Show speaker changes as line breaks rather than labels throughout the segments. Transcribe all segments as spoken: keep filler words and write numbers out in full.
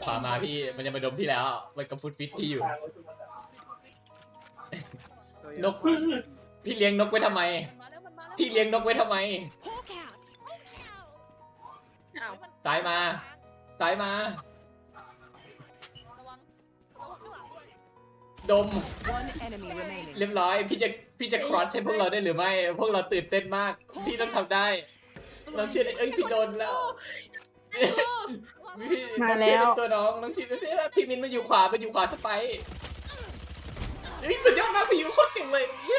ขวามาพี่มันจะมาดมพี่แล้วมันกำฟุตฟิตพี่อยู่นกพี่เลี้ยงนกไว้ทำไมพี่เลี้ยงนกไว้ทำไมซ้ายมาซ้ายมาดมเรียบร้อยพี่จะพี่จะครอสให้พวกเราได้หรือไม่พวกเราตื่นเต้นมากพี่ต้องทำได้เราเชื่อเอ้ยพี่โดนแล้ว
มาแล้ว
ตัวน้องน้องชินดูสิพี่มินมาอยู่ขวามาอยู่ขวาสไปเฮ้ยสุดยอดมากพี่อยู่โคตรเก่งเลยเนี่ย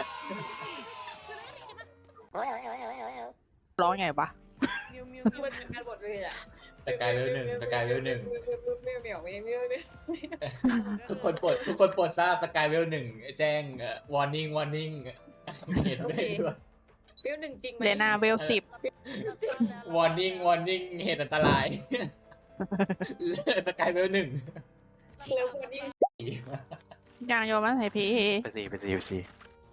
ร้องไงปะ
มิวมิวมิวมันเป็นการบทเลยอ่ะ
ตะกายเวลหนึ่งตะกายเวลหนึ่ง
มิวมิวมิวมิวมิว
ทุกคนปลดทุกคนปลดทราบสกายเวลหนึ่งแจ้ง warning warning เห็นด้วยด้วย
มิวหนึ่งจริงไหม
เลนาเวลสิบ
warning warning เหตุอันตรายสกายเวลหนึ่ง
เร็วกว่านี้
ยางโยมันใส่พี
ไปสี่ไปสี่ไปสี่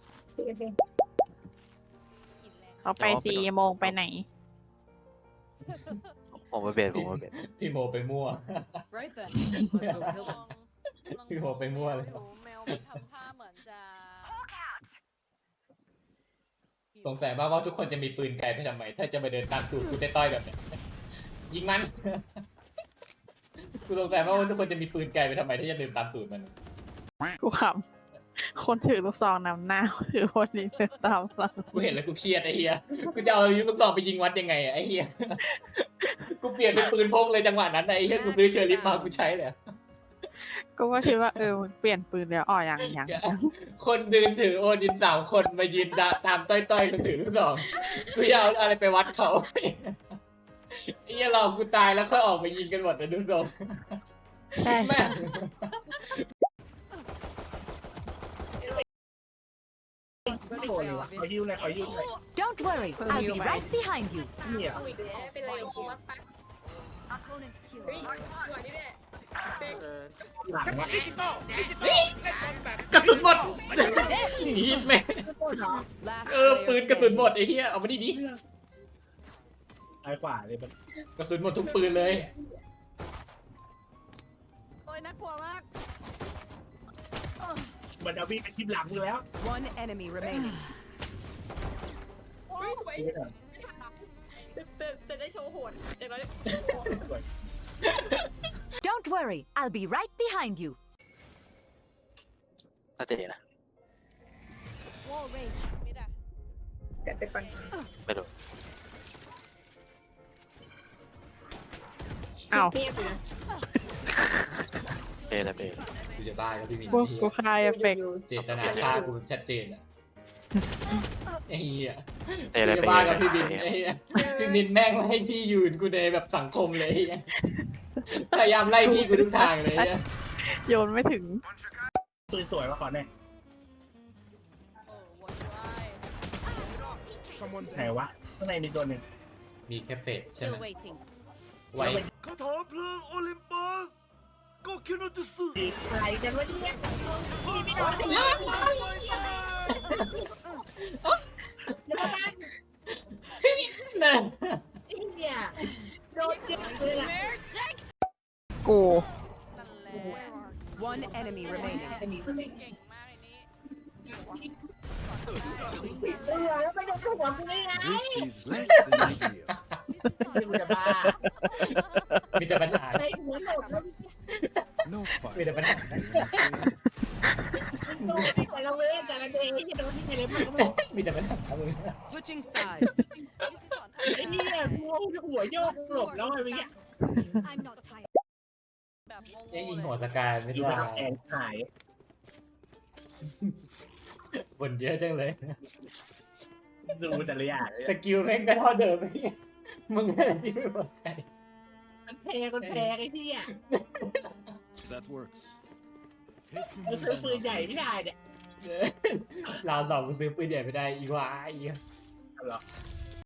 เขาไปสี่โมงไปไหน
ผมมาเบสผมมาเบส
พี่โมไปมั่ว
Right then. Let's go kill them.
พี่โมไปมั่วเลย
แมวมันทำท่าเหมือนจะ
สงสัยมากว่าทุกคนจะมีปืนไกลไปทำไมถ้าจะมาเดินตามตูดกูต้อยๆแบบเนี้ยยิงมันกูสงสัยมากว่าทุกคนจะมีปืนไกลไปทำไมถ้าจะเดินตามตูดมัน
กูขำคนถือลูกซองนำหน้าถือคนนี้เดินตามหลัง
กูเห็นแล้วกูเครียดไอ้เหี้ยกูจะเอาลูกซองไปยิงวัดยังไงอะไอ้เหี้ยกูเปลี่ยนเป็นปืนพกเลยจังหวะนั้นไอ้เหี้ยกูซื้อเชอร์ลิฟมากูใช้เลย
กูก็คิดว่าเออมึงเปลี่ยนปืนแล้วอ๋อยังยัง
คนเดินถือโอดินสามคนมายืนตามต้อยๆคนถือลูกซองกูจะเอาอะไรไปวัดเขาไอ้เหี้ยเรากูตายแล้วค่อยออกไปยิงกันหมดนะดูทรง
ใช่
แม่
ไม่โดนเลยวะขอยิ้วเลยขอยิ้วเลย
Don't worry, I'll be right behind you.
เนี่ย
เอาอีกแล้วเป็นไรกูว่าไปเฮ้ยหวานนี่แหละเป็น
หลังวะ
กระสุนหมดหนีแม่เออปืนกระสุนหมดไอ้เหี้ยเอามาดิดิ
ซ้ายขวาเลยมัน
กระสุนหมดทุกปืนเลย
โอ้ยน่ากลัวมาก
มันเอาวิ่งไปทิมหลังมึงแล้ว
One enemy remaining.
โอ้ยสวย
ไม่ได้
แต่แต่ได้โชว์โหดอย่างน้อย
สวย
Don't worry, I'll be right behind you.
น่าจะดีนะ
Wall raised มิดอะ
แต่ไปก่อน
ไม่รู้
อ้าว
เงียบเลย
เบสแต่เบส
กูจะบ้าแล้วพี่มิน
กูกูคลายเอฟเฟกต์
เจตนาฆ่ากูชัดเจนอะไอ้เหี้ย
เตะอะไร
จะ
ไป
บ้า
เย
กับ
อะ
พี่บินไอ้เหี้ยพี่บินแม่งให้ที่ยืนกูในแบบสังคมเลยไอ้เหี้ยพยายามไล่พี่กูทุกทางเลยไอ้เหี้ย
โยนไม่ถึง
ปืนสวยมาก่อนเนี่ย
โอ้วนไว้
ไหนวะข้างในมีตัวหนึ่ง
มีแค่เฟสใช่ไหม
Still waiting
ไว้
คาถาเพลิงโอลิมปัสก็คิดว่าจะสื่อ
อะไรกันวะเนี่ยพี่ไม่โดนสิ
นั่น
เนี่ยโดนเจ็บเลยล่ะ
กู
นั่นแหละ
One enemy remaining.
เก่งมากไอ้นี้
เออแล้วไปโดนหัวกูได้ไง
This is less than ideal
กูจะบ้า
มีแต่ปัญหา
ไอ้หัวโดดแล้ว
No
มี
fight
แต่ปัญหา
โดนที่แต่ละเว้ยแต่ละเดย์ที่โดนที่แต่ละมันก็ไม่
มีแต่ปัญหามึง
Switching sides.
พี่สิสอน
ไอ้เนี่ยกูหัวโยกหลบแล้วไอ้เงี้ย
แบบงง
ยังยิง
ๆ
หัว
เลย
สกายไม่
อยู่
ได้
บนแอนหาย
บนเยอะจังเลย
ดูแต่ละอย่างเลย
สกิลแม่งก็เท่าเดิมไอ้เหี้ยมึงอะไรที่ไม่พอใจ
มันแพ้มันแพ้ไอ้ที่อ่ะ
That works
มันซื้อปืนใหญ่ไม่ได้เนี่ย
เราสองกูซื้อปืนใหญ่ไม่ได้อีกว่าอีก
เหรอ